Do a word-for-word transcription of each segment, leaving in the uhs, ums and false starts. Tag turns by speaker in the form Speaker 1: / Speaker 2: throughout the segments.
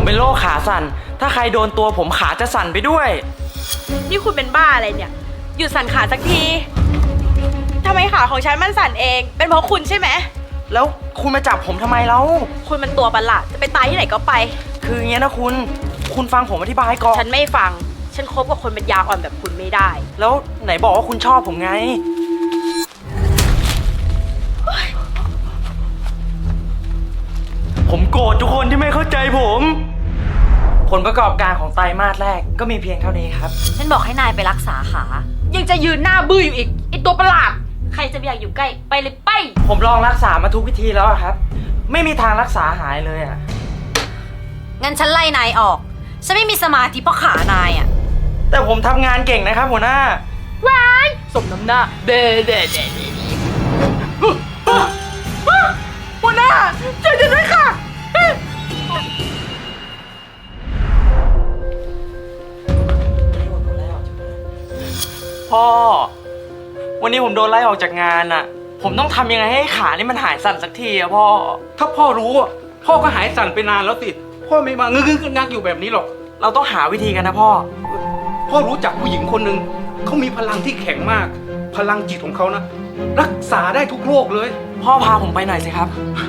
Speaker 1: ผมเป็นโรคขาสั่นถ้าใครโดนตัวผมขาจะสั่นไปด้วย
Speaker 2: นี่คุณเป็นบ้าอะไรเนี่ยหยุดสั่นขาสักทีทำไมขาของฉันมันสั่นเองเป็นเพราะคุณใช่ไหม
Speaker 1: แล้วคุณมาจับผมทำไมแล้ว
Speaker 2: คุณมันตัวประหลาดจะไปตายที่ไหนก็ไป
Speaker 1: คืออย่างเงี้ยนะคุณคุณฟังผมอธิบายก่อน
Speaker 2: ฉันไม่ฟังฉันคบกับคนเป็นยาอ่อนแบบคุณไม่ได้
Speaker 1: แล้วไหนบอกว่าคุณชอบผมไงผมโกรธทุกคนที่ไม่เข้าใจผมผลประกอบการของไตรมาสแรกก็มีเพียงเท่านี้ครับ
Speaker 3: ฉันบอกให้นายไปรักษาขา
Speaker 2: ยังจะยืนหน้าบื้ออยู่อีกไอตัวประหลาดใครจะไม่อยากอยู่ใกล้ไปเลยไป
Speaker 1: ผมลองรักษามาทุกวิธีแล้วครับไม่มีทางรักษาหายเลยอ่ะ
Speaker 3: งั้นฉันไล่นายออกฉันไม่มีสมาธิเพราะขานายอ่ะ
Speaker 1: แต่ผมทำงานเก่งนะครับหัวหน้า
Speaker 2: ว้ายสมน้ำหน้าเด้เด้เด้หัวหน้าช่วยฉันด้วยค่ะ
Speaker 1: พ่อวันนี้ผมโดนไล่ออกจากงานอ่ะผมต้องทำยังไงให้ขานี่มันหายสั่นสักทีอะพ่อ
Speaker 4: ถ้าพ่อรู้อ่ะพ่อก็หายสั่นไปนานแล้วสิพ่อไม่มางึกงึกงักอยู่แบบนี้หรอก
Speaker 1: เราต้องหาวิธีกันนะพ่อ
Speaker 4: พ่อรู้จักผู้หญิงคนหนึ่งเขามีพลังที่แข็งมากพลังจิตของเขานะรักษาได้ทุกโรคเลย
Speaker 1: พ่อพาผมไปหน่อยสิครับ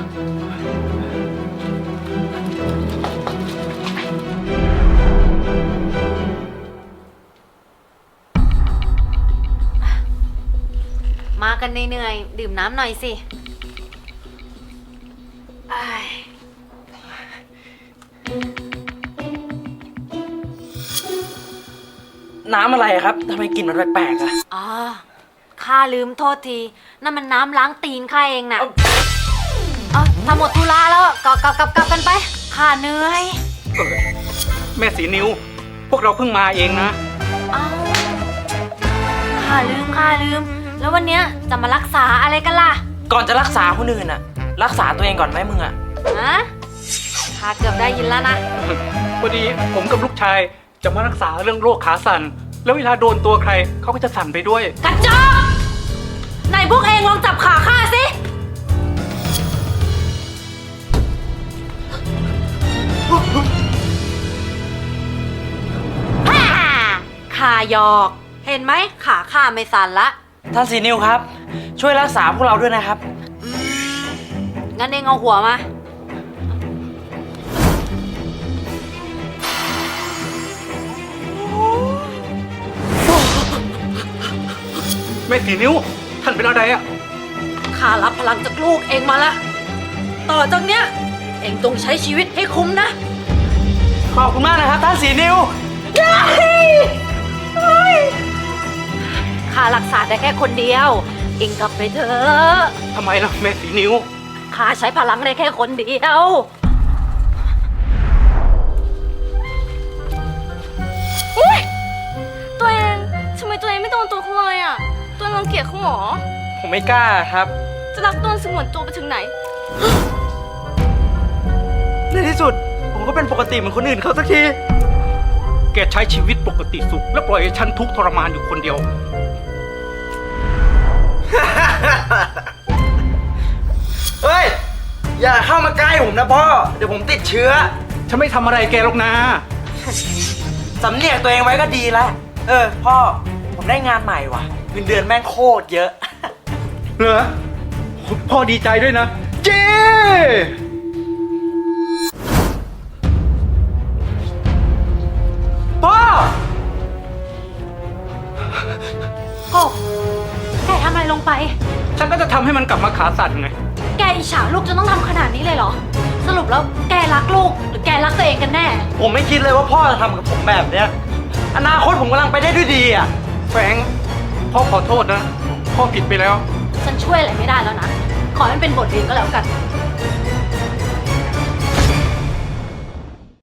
Speaker 3: มากันเหนื่อยๆดื่มน้ำหน่อยสิ
Speaker 1: น้ำอะไรครับทำไมกลิ่นมันแปลกๆอะ
Speaker 3: อ๋อข้าลืมโทษทีนั่นมันน้ำล้างตีนข้าเองน่ะเอ้าทำหมดธุระแล้วก็กลับกลับกลับกันไปข้าเหนื่อย
Speaker 4: แม่สีนิ้วพวกเราเพิ่งมาเองนะ
Speaker 3: เอ้าข้าลืมข้าลืมแล้ววันเนี้ยจะมารักษาอะไรกันล่ะ
Speaker 1: ก่อนจะรักษาคนอื่นอะรักษาตัวเองก่อนไหมมึงอะ
Speaker 3: ฮะข้าเกือบได้ยินแล้วนะ
Speaker 4: พอดีผมกับลูกชายจะมารักษาเรื่องโรคขาสั่นแล้วเวลาโดนตัวใครเขาก็จะสั่นไปด้วย
Speaker 3: กระจอกนายพวกเองลองจับขาข้าสิข้าหยอกเห็นไหมขาข้าไม่สั่นละ
Speaker 1: ท่านสีนิวครับช่วยรักษาพวกเราด้วยนะครับ
Speaker 3: งั้นเองเอาหัวมา
Speaker 4: แม่สีนิ้วท่านเป็นอะไรอะ
Speaker 3: ข้ารับพลังจากลูกเองมาละต่อจากเนี้ยเองต้องใช้ชีวิตให้คุ้มนะ
Speaker 1: ขอบคุณมากนะครับท่านสีนิว
Speaker 3: ข้ารักษาได้แค่คนเดียวเองกลับไปเถอะ
Speaker 4: ทำไมล่ะแม่สีนิ้ว
Speaker 3: ข้าใช้พลังได้แค่คนเดียว
Speaker 2: อุ๊ยตัวเองทำไมตัวเองไม่โดนตัวเขาเลยอ่ะตัวรังเกียจเขาหรอ
Speaker 1: ผมไม่กล้าครับ
Speaker 2: จะรักตัวสงวนตัวไปถึงไหน
Speaker 1: ในที่สุดผมก็เป็นปกติเหมือนคนอื่นเขาสักที
Speaker 4: แกใช้ชีวิตปกติสุขแล้วปล่อยให้ฉันทุกข์ทรมานอยู่คนเดียว
Speaker 1: เฮ้ยอย่าเข้ามาใกล้ผมนะพ่อเดี๋ยวผมติดเชื้อ
Speaker 4: ฉันไม่ทำอะไรแกหรอกนะ
Speaker 1: สำเนียกตัวเองไว้ก็ดีแล้วเออพ่อผมได้งานใหม่ว่ะเงินเดือนแม่งโคตรเยอะ
Speaker 4: เหรอพ่อดีใจด้วยนะเจ้
Speaker 1: พ่อ
Speaker 3: โกแกทำอะไรลงไป
Speaker 4: ฉันก็จะทำให้มันกลับมาขาสั่นไง
Speaker 3: แกอิจฉาลูกจนต้องทำขนาดนี้เลยเหรอสรุปแล้วแกรักลูกหรือแกรักตัวเองกันแน่
Speaker 1: ผมไม่คิดเลยว่าพ่อจะทำกับผมแบบเนี้ยอนาคตผมกำลังไปได้ด้วยดีอ่ะ
Speaker 4: แฟรงค์พ่อขอโทษนะพ่อผิดไปแล้ว
Speaker 3: ฉันช่วยอะไรไม่ได้แล้วนะขอให้มันเป็นบทเรียนก็แล้วกัน